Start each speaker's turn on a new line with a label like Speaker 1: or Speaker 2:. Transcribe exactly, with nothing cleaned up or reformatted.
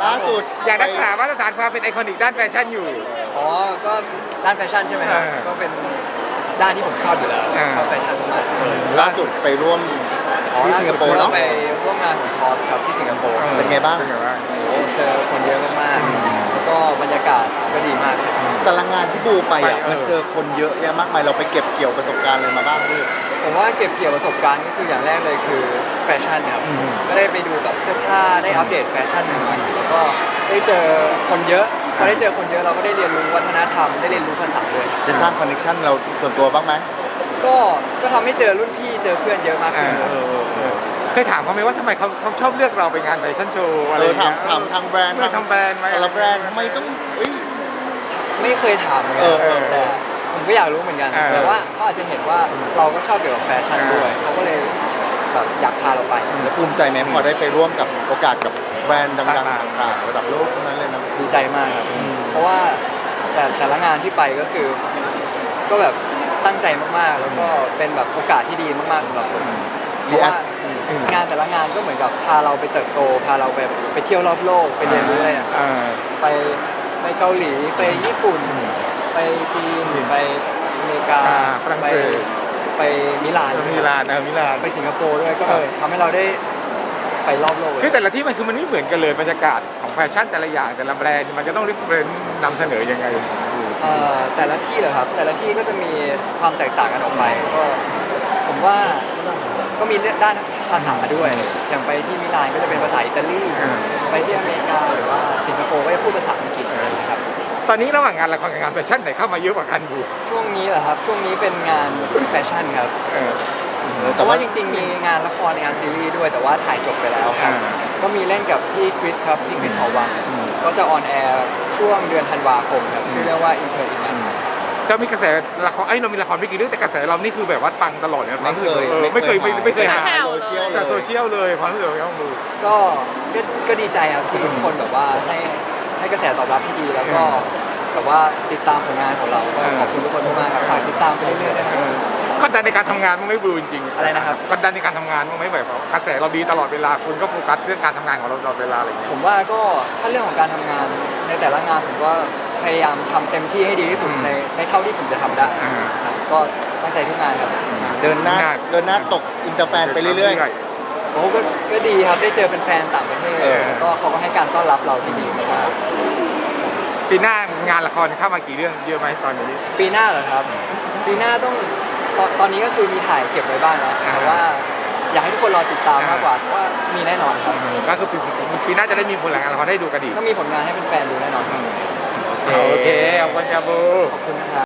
Speaker 1: ล่าสุด
Speaker 2: อยากรักษามาตรฐานความเป็นไอคอนิกด้านแฟชั่นอยู่
Speaker 3: อ๋อก็ด้านแฟชั่นใช่ไหมครับ
Speaker 2: เออ
Speaker 3: ก็เป็นด้านที่ผมชอบอยู่แล้ว
Speaker 2: เออ
Speaker 3: ชอบแฟชั่นมาก
Speaker 1: ล่าสุดไปร่วม
Speaker 3: อ๋อ
Speaker 1: ที่
Speaker 3: ล่า
Speaker 1: สิง
Speaker 3: สุ
Speaker 1: ค
Speaker 3: ด
Speaker 1: โปร์
Speaker 3: เรา
Speaker 1: เนาะ
Speaker 3: ไปร่วมงานของพอสครับที่สิงคโปร์
Speaker 1: เป็นไงบ้าง
Speaker 2: เป็นไงบ้าง
Speaker 3: โอ้เจอคนเยอะมากๆแล้วก็บรรยากาศก็ดีมากครับ
Speaker 1: แต่ละงานที่บูไปอ่ะ
Speaker 2: ไปเออ
Speaker 1: มันเจอคนเยอะแยะมากมายเราไปเก็บเกี่ยวประสบการณ์อะไรมาบ้างพี่
Speaker 3: ผมว่าเก็บเกี่ยวประสบการณ์ก็คืออย่างแรกเลยคือแฟชั่นครับ
Speaker 1: อืม
Speaker 3: ก็ได้ไปดูแบบเสื้อผ้าได้อัปเดตแฟชั่นใหม่ๆแล้วก็ได้เจอคนเยอะพอได้เจอคนเยอะเราก็ได้เรียนรู้วัฒนธรรมได้เรียนรู้ภาษาด้วย
Speaker 1: ได้สร้างคอนเนคชั่นเราส่วนตัวบ้างไหม
Speaker 3: ก็ก็ทำให้เจอรุ่นพี่เจอเพื่อนเยอะมากขึ้นครับ
Speaker 1: เออเออเออ
Speaker 2: เคยถามเขาไหมว่าทำไมเขาเขาชอบเลือกเราไปงานแฟชั่นโชว์อะไร
Speaker 1: เอ
Speaker 2: อ
Speaker 1: อย่าง ถาม
Speaker 2: เงี้ย
Speaker 1: ถามทางแบรนด์
Speaker 2: เออทำแบรนด์ไหม
Speaker 1: แต่ละแบรนด์ทำไมต้องเอ้ย
Speaker 3: ไม่เคยถามเหมือนกั
Speaker 1: เออเออ
Speaker 3: แต่ผมก็อยากรู้เหมือนกัน
Speaker 2: เออ
Speaker 3: แต่ว่าเขาอาจจะเห็นว่าเราก็ชอบเกี่ยวกับแฟชั่นด้วยเขาก็เลยแบบอยากพาเราไป
Speaker 1: แล้วภูมิใจไหมพอได้ไปร่วมกับโอกาสกับแบรนด์ดังๆต่างๆระดับโลกทั้งนั้นเลยนะ
Speaker 3: ดีใจมากครับ เพราะว่าแต่แต่ละงานที่ไปก็คือ ก็แบบตั้งใจมากๆ แล้วก็เป็นแบบโอกาสที่ดีมากๆสำหรับผมเพราะว่างานแต่ละงานก็เหมือนกับพาเราไปเติบโตพาเราไปไปเที่ยวรอบโลกไปเรียนรู้อะไรอย่าง
Speaker 2: เออ
Speaker 3: ไปไปเกาหลีไปญี่ปุ่น ไปจีนไปอเมริกา
Speaker 2: อ่าฝรั่ง
Speaker 3: ไป
Speaker 2: เศส
Speaker 3: ไปมิลาน
Speaker 2: มิลานเออมิลาน
Speaker 3: ไปสิงคโปร์ด้วยก็เออทำให้เราได้ไปรอบโลกเลย
Speaker 2: คือแต่ละที่มันคือมันไม่เหมือนกันเลยบรรยากาศของแฟชั่นแต่ละอย่างแต่ละแบรนด์มันจะต้องริฟเฟรนซ์นำเสนอยังไง
Speaker 3: เอ่อแต่ละที่เหรอครับ แต่ละที่ก็จะมีความแตกต่างกันออกไปก็ผมว่าก็มีด้านภาษาด้วย อย่างไปที่มิลานก็จะเป็นภาษาอิตาลี
Speaker 2: อ่า
Speaker 3: ไปที่อเมริกาหรือว่าสิงคโปร์ก็จะพูดภาษาอังกฤษอะไรอย่างเงี้ยครับ
Speaker 2: ตอนนี้ระหว่างงานละครกับงานแฟชั่นไหนเข้ามาเยอะกว่ากันอยู่
Speaker 3: ช่วงนี้เหรอครับ ช่วงนี้เป็นงานแฟชั่นครับ
Speaker 2: เออ
Speaker 1: เออ
Speaker 3: เพ
Speaker 1: แต่
Speaker 3: ราะ
Speaker 1: ว่า
Speaker 3: ว่าจริงๆ มีงานละครในงานซีรีส์ด้วยแต่ว่าถ่ายจบไปแล้วครับ
Speaker 2: อ่า
Speaker 3: ก็มีเล่นกับพี่คริสครับพี่คริสหอวังก็จะออนแอร์ช่วงเดือนธันวาคมครับชื่อเรื่องว่า Inter i n
Speaker 2: เรามีกระแสละครไอ้ยเรามีละครไม่กี่เรื่องแต่กระแสเรานี่คือแบบว่าปังตลอดเลยนะ
Speaker 1: ไม่เคย
Speaker 2: ออไม่เคยไม่ไม่เคยหา
Speaker 1: หาโซเชียลเล
Speaker 2: จากโซ
Speaker 1: ย
Speaker 2: เชียลเลยความรู้สึกของเราดู
Speaker 3: ก็ก็ก็ดีใจครับที่ทุกคนแบบว่าให้ให้กระแสตอบรับที่ดีแล้วก็แบบว่าติดตามผลงานของเราก็ขอบคุณทุกคนมากๆครับฝากติดตามไปเรื่อยๆด้วยนะครับ
Speaker 2: กดดันในการทำงานมั้งไหม่บูจริงๆ
Speaker 3: อะไรนะครับ
Speaker 2: กดดันในการทำงานมั้งไหมแบบกระแสเราดีตลอดเวลาคุณก็โฟกัสเรื่องการทำงานของเราตลอดเวลาอะไรอย่างเงี้ย
Speaker 3: ผมว่าก็ถ้าเรื่องของการทำงานในแต่ละงานผมก็พยายามทำเต็มที่ให้ดีที่สุด
Speaker 2: อืม
Speaker 3: ในในเท่าที่ผมจะทำได้
Speaker 2: อ่า
Speaker 3: ครับก็ตั้งใจทุกงานครับ
Speaker 1: เดินหน้าเดินหน้าตกอินเตอร์แฟนไปเรื่อย
Speaker 3: โอ้ก็ก็ดีครับได้เจอเป็นแฟนต่างประเทศ
Speaker 2: เออ
Speaker 3: แล้วก็เขาก็ให้การต้อนรับเราที่ดีมาก
Speaker 2: ปีหน้างานละครเข้ามากี่เรื่องเยอะไหมตอนนี้
Speaker 3: ปีหน้าเหรอครับ ปีหน้าต้องตอนตอนนี้ก็คือมีถ่ายเก็บไว้บ้างแล้ว
Speaker 2: อ่า
Speaker 3: แต่ว่าอยากให้ทุกคนรอติดตามมากกว่าเพราะว่ามีแน่นอนครับ
Speaker 2: ก็คือปีปีหน้าจะได้มีผลงานละครได้ดูกันอีก
Speaker 3: ก็มีผลงานให้เป็นแฟนๆดูแน่นอนครับ
Speaker 2: โอเคขอบคุณครับบู
Speaker 3: ขอบคุณนะครับ